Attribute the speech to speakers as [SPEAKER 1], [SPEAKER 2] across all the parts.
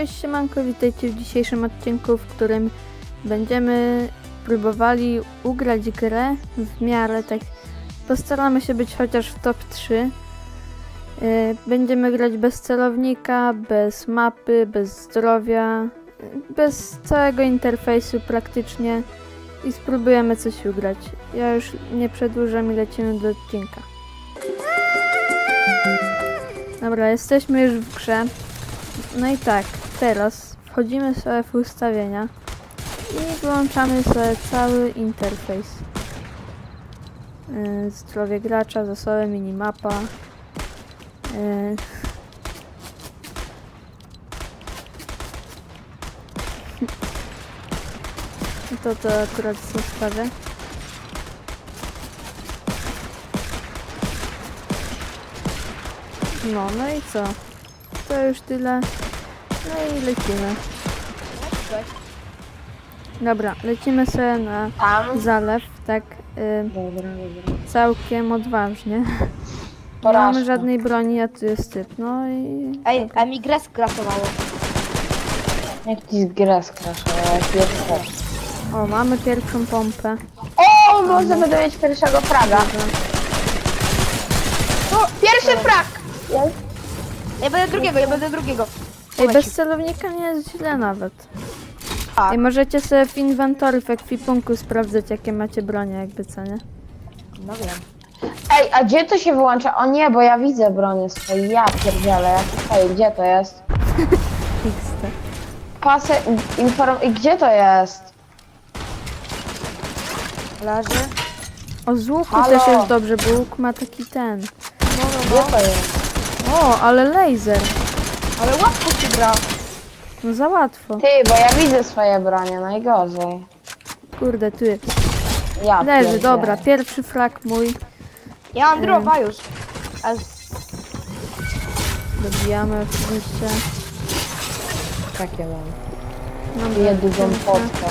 [SPEAKER 1] Cześć siemanko, witajcie w dzisiejszym odcinku, w którym będziemy próbowali ugrać grę w miarę tak. Postaramy się być chociaż w top 3. Będziemy grać bez celownika, bez mapy, bez zdrowia, bez całego interfejsu praktycznie i spróbujemy coś ugrać. Ja już nie przedłużam i lecimy do odcinka. Dobra, jesteśmy już w grze. No i tak, teraz wchodzimy sobie w ustawienia i wyłączamy sobie cały interfejs. Zdrowie gracza, zasoby, minimapa. To akurat zostawię. No i co? To już tyle. No i lecimy. Dobra, lecimy sobie na zalew, tak
[SPEAKER 2] Dobra.
[SPEAKER 1] całkiem odważnie. Nie
[SPEAKER 2] Porażka.
[SPEAKER 1] mamy żadnej broni, a tu jest typ, no i...
[SPEAKER 3] Ej, a mi grę skrasowało.
[SPEAKER 2] Jak ci z grę skraszała, jak pierwszy.
[SPEAKER 1] O, mamy pierwszą pompę.
[SPEAKER 2] O, może będę mieć pierwszego fraga. Pierwszy frag!
[SPEAKER 3] Ja będę drugiego.
[SPEAKER 1] Ej, bez celownika nie jest źle nawet.
[SPEAKER 3] Tak.
[SPEAKER 1] Ej, możecie sobie w inwentory w ekwipunku sprawdzać, jakie macie bronie, jakby co, nie?
[SPEAKER 3] No wiem.
[SPEAKER 2] Ej, a gdzie to się wyłącza? O nie, bo ja widzę bronię swoje. Ja pierdzielę, ja tutaj, gdzie to jest?
[SPEAKER 1] XT.
[SPEAKER 2] Pasy, i gdzie to jest?
[SPEAKER 3] Leży.
[SPEAKER 1] O, z łuku
[SPEAKER 2] Halo?
[SPEAKER 1] też jest dobrze, bo łuk ma taki ten.
[SPEAKER 2] Gdzie to jest?
[SPEAKER 1] O, ale laser.
[SPEAKER 3] Ale łatwo się gra.
[SPEAKER 1] No za łatwo.
[SPEAKER 2] Ty, bo ja widzę swoje bronie, najgorzej.
[SPEAKER 1] Kurde, tu jest.
[SPEAKER 2] Ja
[SPEAKER 1] Leży,
[SPEAKER 2] pierdzielę.
[SPEAKER 1] dobra, pierwszy frak mój.
[SPEAKER 3] Ja mam droga już. A
[SPEAKER 1] Dobijamy oczywiście.
[SPEAKER 2] Takie mam.
[SPEAKER 1] Mam
[SPEAKER 2] Piję dużą
[SPEAKER 1] piękne.
[SPEAKER 2] potkę.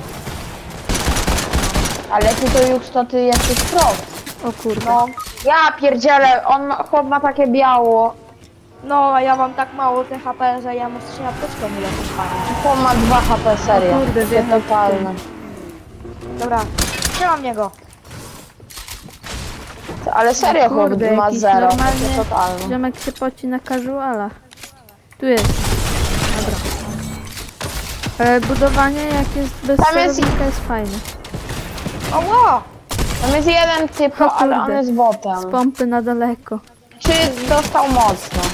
[SPEAKER 2] Ale ty to już to ty jesteś prost.
[SPEAKER 1] O kurde.
[SPEAKER 2] No. Ja pierdzielę, chłop ma takie biało.
[SPEAKER 3] no, a ja mam tak mało THP, że ja muszę się apteczką uleczyć, panie.
[SPEAKER 2] Chłop ma 2 HP, serio.
[SPEAKER 1] O kurde,
[SPEAKER 2] To
[SPEAKER 1] wjechał w
[SPEAKER 2] totalne.
[SPEAKER 3] Dobra, trzymam niego.
[SPEAKER 2] Ale serio, chłop
[SPEAKER 1] Kurde,
[SPEAKER 2] ma
[SPEAKER 1] jakiś
[SPEAKER 2] 0.
[SPEAKER 1] normalny
[SPEAKER 2] To totalne.
[SPEAKER 1] ziomek się poci na casualach. Tu jest. Dobra. Budowanie jak jest bez
[SPEAKER 2] Tam jest-
[SPEAKER 1] celownika jest fajne.
[SPEAKER 3] O, wow.
[SPEAKER 2] Tam jest jeden typ,
[SPEAKER 1] O
[SPEAKER 2] ale on
[SPEAKER 1] kurde.
[SPEAKER 2] jest botem.
[SPEAKER 1] Z pompy na daleko.
[SPEAKER 2] Czy dostał mocno?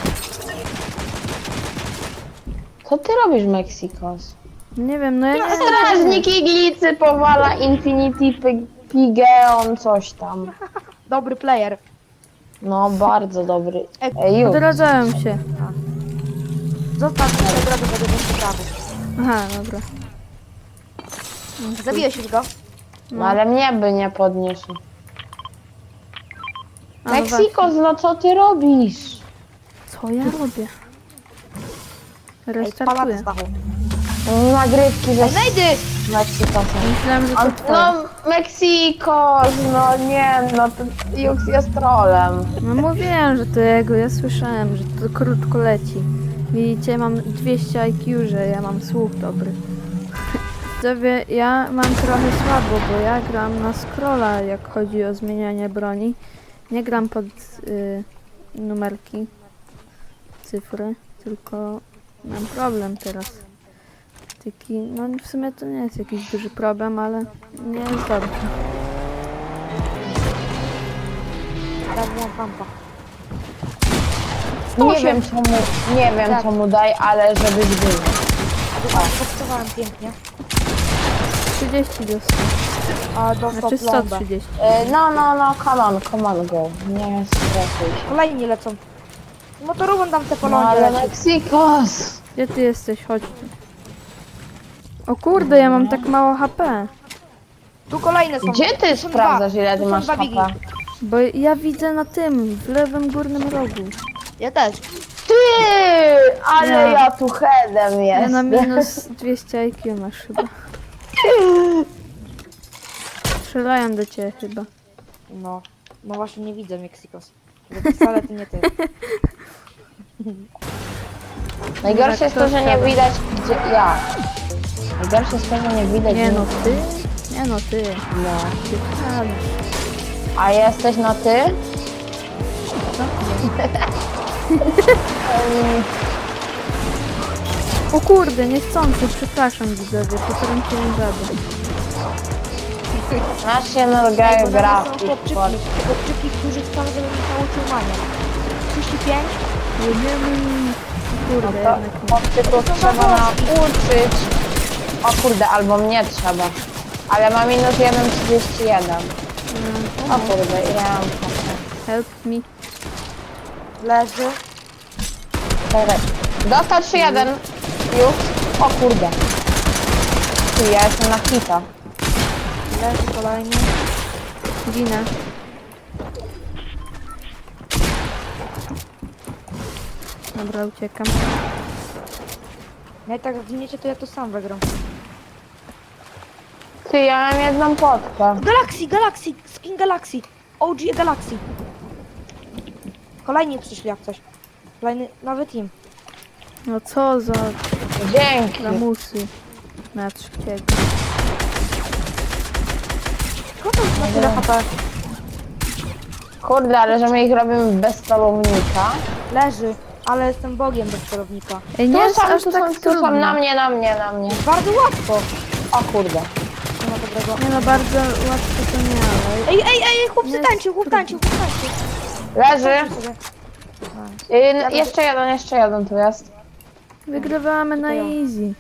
[SPEAKER 2] Co ty robisz, Mexikos?
[SPEAKER 1] Nie wiem, no ja nie wiem.
[SPEAKER 2] Strażnik iglicy powala Infinity Pigeon, coś tam.
[SPEAKER 3] Dobry player.
[SPEAKER 2] No, bardzo dobry.
[SPEAKER 3] Ej,
[SPEAKER 2] Ej, już.
[SPEAKER 1] Odradzają się.
[SPEAKER 3] Zostaw mnie, od razu będę bez prawy.
[SPEAKER 1] Aha, dobra.
[SPEAKER 3] Zabiłeś już go?
[SPEAKER 2] No, ale mnie by nie podniósł.
[SPEAKER 1] A, no
[SPEAKER 2] Mexikos, no co ty robisz?
[SPEAKER 1] Co ja robię?
[SPEAKER 3] Ej, pana
[SPEAKER 1] Restartuję.
[SPEAKER 3] Stachu.
[SPEAKER 2] Nagrywki ze
[SPEAKER 3] Ej, znajdy!
[SPEAKER 2] Mexikosem.
[SPEAKER 1] Myślałem, że to
[SPEAKER 2] On,
[SPEAKER 1] twoje.
[SPEAKER 2] no, Mexikos, no nie, no to Jux jest trolem.
[SPEAKER 1] No mówiłem, że to jego, ja słyszałem, że to krótko leci. Widzicie, mam 200 IQ, że ja mam słuch dobry. Widzowie, ja mam trochę słabo, bo ja gram na scrolla, jak chodzi o zmienianie broni. Nie gram pod numerki, cyfry, tylko mam problem teraz. Taki, no w sumie to nie jest jakiś duży problem, ale nie jest dobrze.
[SPEAKER 3] Zabiłam pampa.
[SPEAKER 2] Nie wiem
[SPEAKER 3] Tak.
[SPEAKER 2] co mu daj, ale żebyś był.
[SPEAKER 3] Postawałem pięknie.
[SPEAKER 1] 30 dostał,
[SPEAKER 3] A dostał
[SPEAKER 1] znaczy
[SPEAKER 3] plombę.
[SPEAKER 1] 130.
[SPEAKER 2] No, come on, go. Nie stresuj się.
[SPEAKER 3] Kolejni lecą. Motorową tam te
[SPEAKER 2] No
[SPEAKER 3] polonie
[SPEAKER 2] ale
[SPEAKER 3] leci.
[SPEAKER 2] Mexikos!
[SPEAKER 1] Gdzie ty jesteś? Chodź tu. O kurde, ja mam tak mało HP.
[SPEAKER 3] Tu kolejne są.
[SPEAKER 2] Gdzie ty
[SPEAKER 3] są
[SPEAKER 2] sprawdzasz
[SPEAKER 3] dwa.
[SPEAKER 2] ile
[SPEAKER 3] Tu
[SPEAKER 2] ty
[SPEAKER 3] są
[SPEAKER 2] masz
[SPEAKER 3] dwa
[SPEAKER 2] HP?
[SPEAKER 3] bigi.
[SPEAKER 1] Bo ja widzę na tym, w lewym górnym rogu.
[SPEAKER 3] Ja też.
[SPEAKER 2] Ty! Ale
[SPEAKER 1] Ja.
[SPEAKER 2] ja tu headem
[SPEAKER 1] Ja na
[SPEAKER 2] jestem.
[SPEAKER 1] minus 200 IQ masz chyba. Strzelają do ciebie chyba.
[SPEAKER 3] No. No właśnie nie widzę Mexikos. Wcale to nie ty.
[SPEAKER 2] Najgorsze jest to, że nie
[SPEAKER 1] Kto
[SPEAKER 2] widać gdzie ja. Najgorsze jest to, że nie widać.
[SPEAKER 1] Nie no ty? Nie no ty.
[SPEAKER 2] No.
[SPEAKER 1] Ty wcale.
[SPEAKER 2] A jesteś na ty?
[SPEAKER 1] Co?
[SPEAKER 2] Em,
[SPEAKER 1] O kurde, niechcący, przepraszam widzowie, potrąciłem żabę.
[SPEAKER 2] National
[SPEAKER 3] Bo na mnie są
[SPEAKER 2] Geographic.
[SPEAKER 3] chłopczyki, którzy chcą, żebym ich nauczył manię. 35?
[SPEAKER 1] Jedziemy. Kurde,
[SPEAKER 2] To
[SPEAKER 1] jednak nie.
[SPEAKER 2] chłopczyków trzeba nauczyć. O kurde, albo mnie trzeba. Ale ma minus 1,31. O kurde, ile mam kasy?
[SPEAKER 1] Help me.
[SPEAKER 3] Leży.
[SPEAKER 2] Czekaj. Dostał 3-1. Już. O kurde. Ty, ja jestem na hita.
[SPEAKER 3] Leży kolejny.
[SPEAKER 1] Ginę. Dobra, uciekam.
[SPEAKER 3] Jak tak zginiecie, to ja to sam wygram.
[SPEAKER 2] Ty, ja mam jedną potkę.
[SPEAKER 3] Galaxy, skin Galaxy. OG Galaxy. Kolejni przyszli jak coś. Kolejny, nowy team.
[SPEAKER 1] No co za
[SPEAKER 2] Dzięki.
[SPEAKER 1] lamusy. Na trzeciego.
[SPEAKER 3] Skąd on ma tyle HP?
[SPEAKER 2] Kurde, ale że my ich robimy bez celownika.
[SPEAKER 3] Leży, ale jestem bogiem bez celownika.
[SPEAKER 1] Ej, nie
[SPEAKER 2] Tu
[SPEAKER 1] jest
[SPEAKER 2] są,
[SPEAKER 1] aż
[SPEAKER 2] tu
[SPEAKER 1] tak
[SPEAKER 2] są, tu są,
[SPEAKER 1] trudno.
[SPEAKER 2] na mnie, na mnie, na mnie.
[SPEAKER 3] Bardzo łatwo.
[SPEAKER 2] O kurde.
[SPEAKER 3] Nie ma dobrego.
[SPEAKER 1] Nie no, bardzo łatwo to nie, ale...
[SPEAKER 3] Ej, chłop
[SPEAKER 1] Nie,
[SPEAKER 3] tańczył, chłop tańczył.
[SPEAKER 2] Leży.
[SPEAKER 3] Tańczył sobie.
[SPEAKER 2] Jeszcze jeden tu jest.
[SPEAKER 1] Wygrywamy na easy.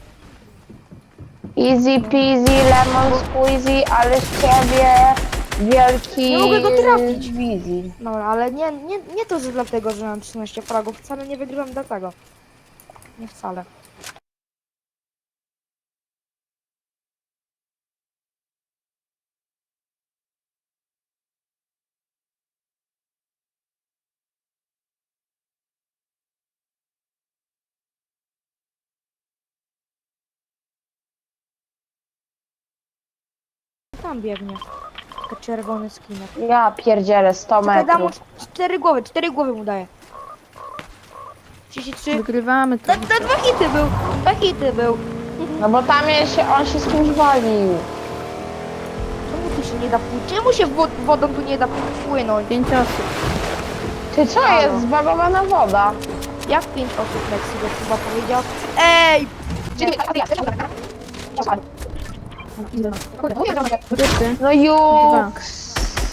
[SPEAKER 2] Easy peasy, lemon squeezy, ale z ciebie wielki...
[SPEAKER 3] Nie mogę go trafić.
[SPEAKER 2] Wizji.
[SPEAKER 3] Dobra, ale nie to, że dlatego, że mam 13 fragów. Wcale nie wygrywam dlatego. Nie wcale. Tam biegnie. Tylko czerwony skinek.
[SPEAKER 2] Ja pierdzielę 100
[SPEAKER 3] Czekaj, dam mu
[SPEAKER 2] metrów.
[SPEAKER 3] 4 głowy mu daję. 33.
[SPEAKER 1] Wygrywamy to.
[SPEAKER 3] Na 2 hity był. 2 hity był.
[SPEAKER 2] No bo tam on się z kimś walił.
[SPEAKER 3] Czemu tu się nie da płynąć? Czemu się wodą tu nie da płynąć?
[SPEAKER 1] 5 osób.
[SPEAKER 2] Ty co
[SPEAKER 3] Halo.
[SPEAKER 2] jest? Zbagowana woda.
[SPEAKER 3] Jak 5 osób Mexico chyba powiedział? Ej!
[SPEAKER 1] Ty.
[SPEAKER 2] No juks.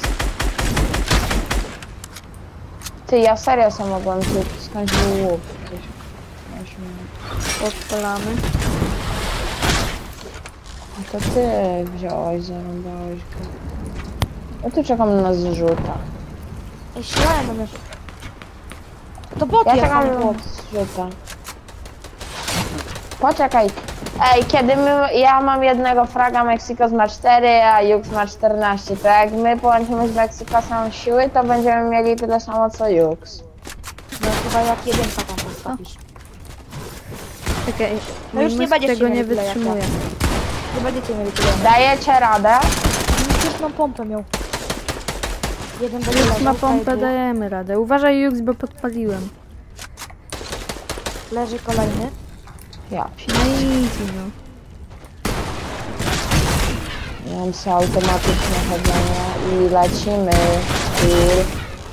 [SPEAKER 2] Ty, ja serio sam mogłem tu skądś był łuk.
[SPEAKER 1] Odpalamy.
[SPEAKER 2] No to ty wziąłeś, zarąbałeś go. Ja tu czekam na zrzuta.
[SPEAKER 3] Ej, ślałem na mnie. To bot
[SPEAKER 2] Ja
[SPEAKER 3] jest,
[SPEAKER 2] czekam
[SPEAKER 3] a nie
[SPEAKER 2] na
[SPEAKER 3] bot.
[SPEAKER 2] zrzuta. Poczekaj. Ej, kiedy ja mam jednego fraga, Mexico ma 4, a Jux ma 14, to jak my połączymy z Mexicosem siły, to będziemy mieli tyle samo co Jux.
[SPEAKER 3] No chyba jak jedynka tam postawisz.
[SPEAKER 1] Czekaj,
[SPEAKER 3] No już
[SPEAKER 1] mój
[SPEAKER 3] nie
[SPEAKER 1] mózg
[SPEAKER 3] będziecie
[SPEAKER 1] tego nie
[SPEAKER 3] mieli tyle jak ja.
[SPEAKER 1] wytrzymuje.
[SPEAKER 3] Nie będziecie mieli tyle.
[SPEAKER 2] Dajecie radę?
[SPEAKER 3] Już mam pompę miał. Jeden będzie
[SPEAKER 1] Jux
[SPEAKER 3] leżał,
[SPEAKER 1] ma pompę,
[SPEAKER 3] tutaj
[SPEAKER 1] dajemy radę. Uważaj Jux, bo podpaliłem.
[SPEAKER 3] leży kolejny.
[SPEAKER 2] Ja
[SPEAKER 1] No easy, no.
[SPEAKER 2] Ja mam sobie automatyczne chodzenie i lecimy. Styl.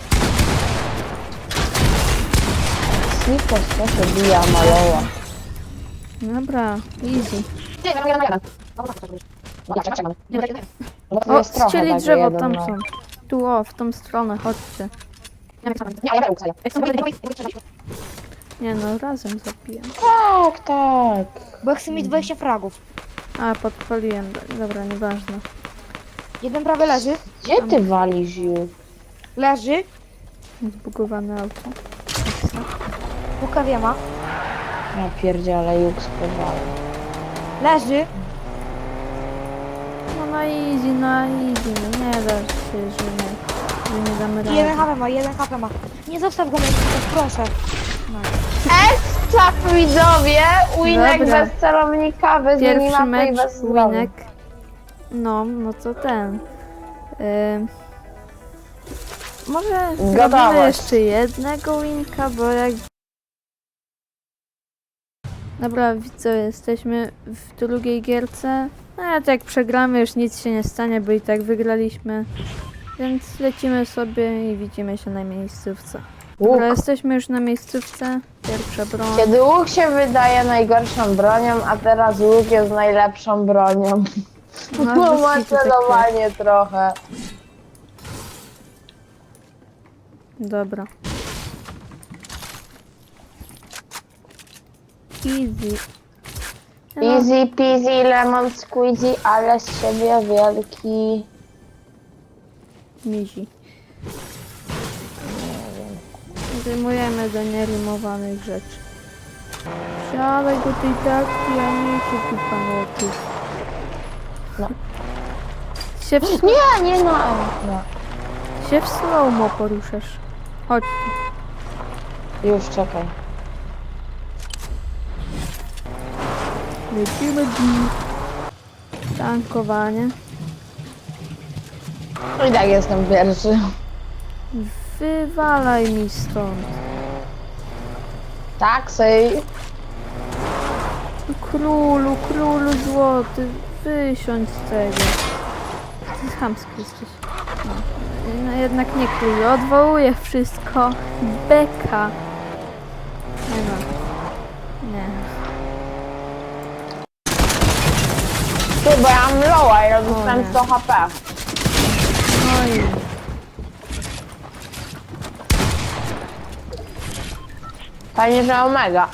[SPEAKER 2] Snikos, co się bija, maloła.
[SPEAKER 1] Dobra, easy.
[SPEAKER 2] Bo to
[SPEAKER 1] O,
[SPEAKER 2] jest trochę
[SPEAKER 1] ścieli
[SPEAKER 2] takie
[SPEAKER 1] drzewo,
[SPEAKER 2] jeden,
[SPEAKER 1] tam
[SPEAKER 2] no.
[SPEAKER 1] są. Tu, o, w tą stronę, chodźcie. Nie no, razem zabiję.
[SPEAKER 2] Tak, tak.
[SPEAKER 3] Bo ja chcę mieć 20 fragów.
[SPEAKER 1] A, podpaliłem. Dobra, nieważne.
[SPEAKER 3] Jeden prawie leży.
[SPEAKER 2] Gdzie ty walisz już?
[SPEAKER 3] Leży.
[SPEAKER 1] Zbugowane auto.
[SPEAKER 3] Łuka ma.
[SPEAKER 2] Ja pierdzielę, Jux powala.
[SPEAKER 3] Leży.
[SPEAKER 1] No na easy, no nie da się, że nie damy rady.
[SPEAKER 3] 1 HP ma, 1 HP ma. Nie zostaw go Mexico, proszę.
[SPEAKER 2] Ekstra widzowie! Winek
[SPEAKER 1] Dobra.
[SPEAKER 2] bez celownika, bez
[SPEAKER 1] Pierwszy
[SPEAKER 2] minimapy i
[SPEAKER 1] mecz,
[SPEAKER 2] bez zdrowia.
[SPEAKER 1] winek. No to ten. Może zrobimy
[SPEAKER 2] Gotowość.
[SPEAKER 1] jeszcze jednego winka, bo jak Dobra, co, jesteśmy w drugiej gierce. No a jak przegramy, już nic się nie stanie, bo i tak wygraliśmy. Więc lecimy sobie i widzimy się na miejscówce.
[SPEAKER 2] Łuk.
[SPEAKER 1] Dobra, jesteśmy już na miejscówce. Pierwsza broń.
[SPEAKER 2] Kiedy łuk się wydaje najgorszą bronią, a teraz łuk jest najlepszą bronią.
[SPEAKER 1] No,
[SPEAKER 2] No
[SPEAKER 1] bez
[SPEAKER 2] ma
[SPEAKER 1] kitu tak
[SPEAKER 2] celowanie trochę.
[SPEAKER 1] Dobra. Easy. No,
[SPEAKER 2] Easy peasy lemon squeezy, ale z siebie wielki.
[SPEAKER 1] mizi. Zdejmujemy do nierymowanych rzeczy. Siadaj do tej takty, a nie się tu panotów.
[SPEAKER 2] No.
[SPEAKER 1] Się w,
[SPEAKER 2] Nie no.
[SPEAKER 1] się w slow-mo poruszasz. Chodź.
[SPEAKER 2] Już czekaj.
[SPEAKER 1] Lecimy dziś. Tankowanie.
[SPEAKER 2] I tak jestem pierwszy.
[SPEAKER 1] Wywalaj mi stąd.
[SPEAKER 2] Taksy.
[SPEAKER 1] Królu złoty, wysiądź z tego. Ty chamski jesteś. No jednak nie królu, odwołuję wszystko. Beka. Nie no. Nie.
[SPEAKER 2] Ty, bo ja mam lowa i dostałem
[SPEAKER 1] nie.
[SPEAKER 2] 100 HP.
[SPEAKER 1] No i...
[SPEAKER 2] Fajnie, że omega.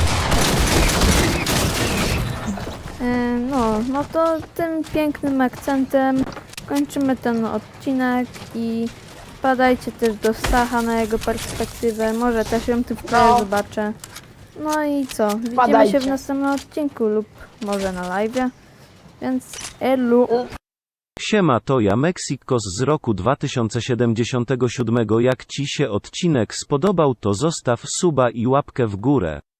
[SPEAKER 1] No to tym pięknym akcentem kończymy ten odcinek i wpadajcie też do Stacha na jego perspektywę, może też ją tu w tle
[SPEAKER 2] No.
[SPEAKER 1] zobaczę. No i co, widzimy
[SPEAKER 2] Wpadajcie.
[SPEAKER 1] się w następnym odcinku lub może na live'ie, więc elu!
[SPEAKER 4] Siema, to ja Mexikos z roku 2077. Jak Ci się odcinek spodobał, to zostaw suba i łapkę w górę.